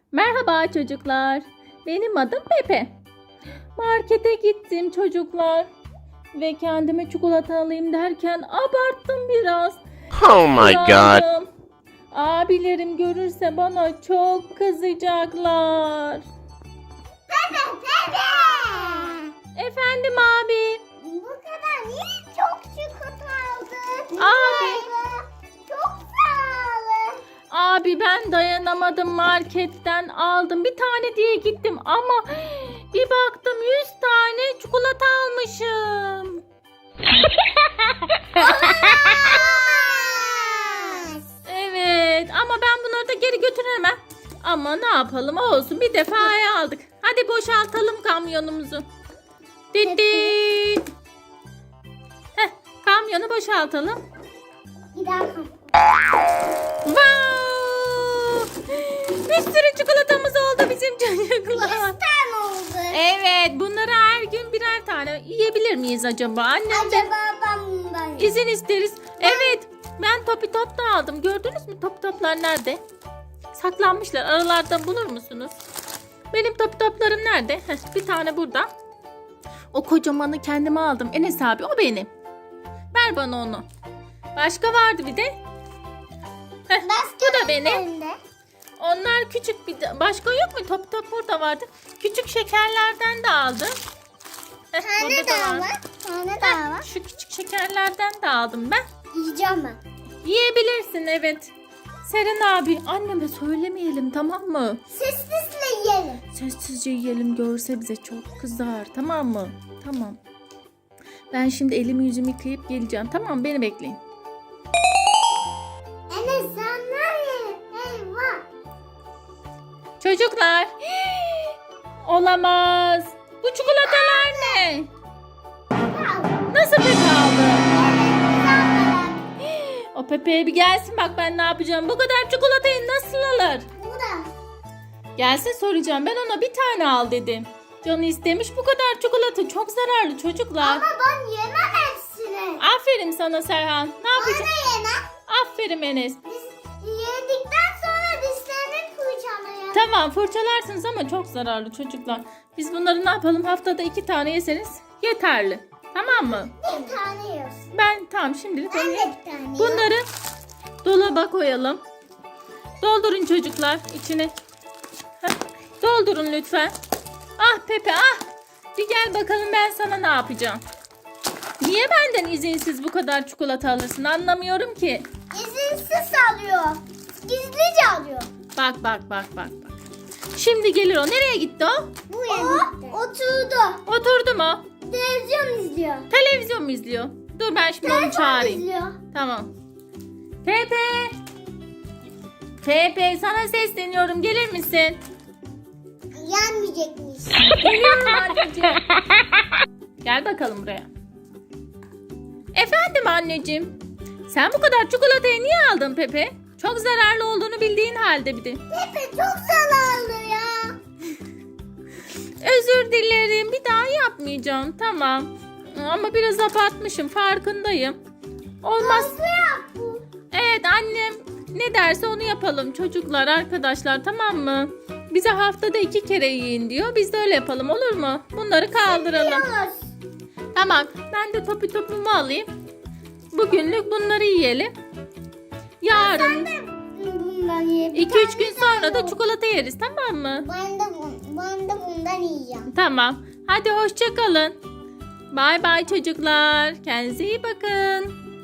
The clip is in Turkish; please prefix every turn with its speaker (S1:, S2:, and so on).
S1: Merhaba çocuklar. Benim adım Pepe. Markete gittim çocuklar. Ve kendime çikolata alayım derken abarttım biraz.
S2: Oh my god.
S1: Yandım. Abilerim görürse bana çok kızacaklar.
S3: Pepe!
S1: Efendim abi.
S3: Bu kadar niye çok çikolata aldın?
S1: Abi.
S3: Çok sağ olun.
S1: Abi ben dayanamadım, marketten aldım. Bir tane diye gittim ama bir baktım 100 tane çikolata almışım. Evet ama ben bunları da geri götüremem. Ama ne yapalım, olsun, bir defaya aldık. Hadi boşaltalım kamyonumuzu. Dit dit. Heh, kamyonu boşaltalım.
S3: Bir daha.
S1: Wow! Bir sürü çikolatamız oldu bizim çocuklar.
S3: 100 tane oldu.
S1: Evet, bunları her gün birer tane yiyebilir miyiz acaba? Annemden
S3: Acaba ben bundan
S1: izin isteriz. Evet, ben topi top da aldım. Gördünüz mü topi toplar nerede? Saklanmışlar. Aralardan bulur musunuz? Benim topi toplarım nerede? Heh, bir tane burada. O kocamanı kendime aldım. Enes abi, o benim. Ver bana onu. Başka vardı bir de. Heh, bu da benim. Onlar küçük, bir de başka yok mu? Top top burada vardı. Küçük şekerlerden de aldım. Heh,
S3: Tane
S1: burada da
S3: daha
S1: var.
S3: var. Tane daha var.
S1: Şu küçük şekerlerden de aldım ben.
S3: Yiyeceğim ben.
S1: Yiyebilirsin, evet. Seren abi, anneme söylemeyelim, tamam mı?
S3: Sessizle yiyelim.
S1: Sessizce yiyelim, görse bize çok kızar, tamam mı? Tamam. Ben şimdi elimi yüzümü yıkayıp geleceğim, tamam mı? Beni bekleyin.
S3: Enes sen nereye? Eyvah.
S1: Çocuklar. Olamaz. Bu çikolatalar ne? Nasıl Pepe aldı? O Pepe'ye bir gelsin, bak ben ne yapacağım. Bu kadar çikolatayı nasıl alır?
S3: Bu da.
S1: Gelsin, soracağım. Ben ona bir tane al dedim. Canı istemiş, bu kadar çikolata çok zararlı çocuklar.
S3: Ama ben yemem hepsini.
S1: Aferin sana Serhan. Ne
S3: Ben
S1: yapacaksın?
S3: de yemem.
S1: Aferin Enes.
S3: Biz yedikten sonra dişlerini fırçalayalım.
S1: Tamam, fırçalarsınız ama çok zararlı çocuklar. Biz bunları ne yapalım? Haftada 2 tane yeseniz yeterli. Tamam mı?
S3: Bir tane yiyorsun.
S1: Ben tamam, şimdilik
S3: Ben
S1: onu
S3: de bir tane
S1: Bunları dolaba koyalım. Doldurun çocuklar içine. Heh, doldurun lütfen. Ah Pepe, ah. Bir gel bakalım, ben sana ne yapacağım. Niye benden izinsiz bu kadar çikolata alırsın, anlamıyorum ki.
S3: İzinsiz alıyor. Gizlice alıyor.
S1: Bak bak bak bak bak. Şimdi gelir o. Nereye gitti o?
S3: Bu yemekte. Oturdu.
S1: Oturdu mu?
S3: Televizyon izliyor.
S1: Televizyon mu izliyor? Dur ben şimdi onu çağırayım.
S3: izliyor.
S1: Tamam. Pepe. Pepe, sana sesleniyorum. Gelir misin?
S3: Yenmeyecekmiş.
S1: Geliyorum anneciğim. Gel bakalım buraya. Efendim anneciğim. Sen bu kadar çikolatayı niye aldın Pepe? Çok zararlı olduğunu bildiğin halde bir de.
S3: Pepe çok zararlı ya.
S1: Özür dilerim. Bir daha yapmayacağım. Tamam. Ama biraz abartmışım. Farkındayım. Olmaz.
S3: Nasıl yap bu?
S1: Evet, annem ne derse onu yapalım çocuklar, arkadaşlar, tamam mı? Bize haftada 2 kere yiyin diyor. Biz de öyle yapalım, olur mu? Bunları kaldıralım.
S3: Yiyoruz.
S1: Tamam, ben de topumu alayım. Bugünlük bunları yiyelim. Yarın
S3: Bundan yiyebilirim.
S1: 2-3 gün sonra da çikolata yeriz, tamam mı?
S3: Ben de bundan yiyeceğim.
S1: Tamam. Hadi hoşça kalın. Bay bay çocuklar. Kendinize iyi bakın.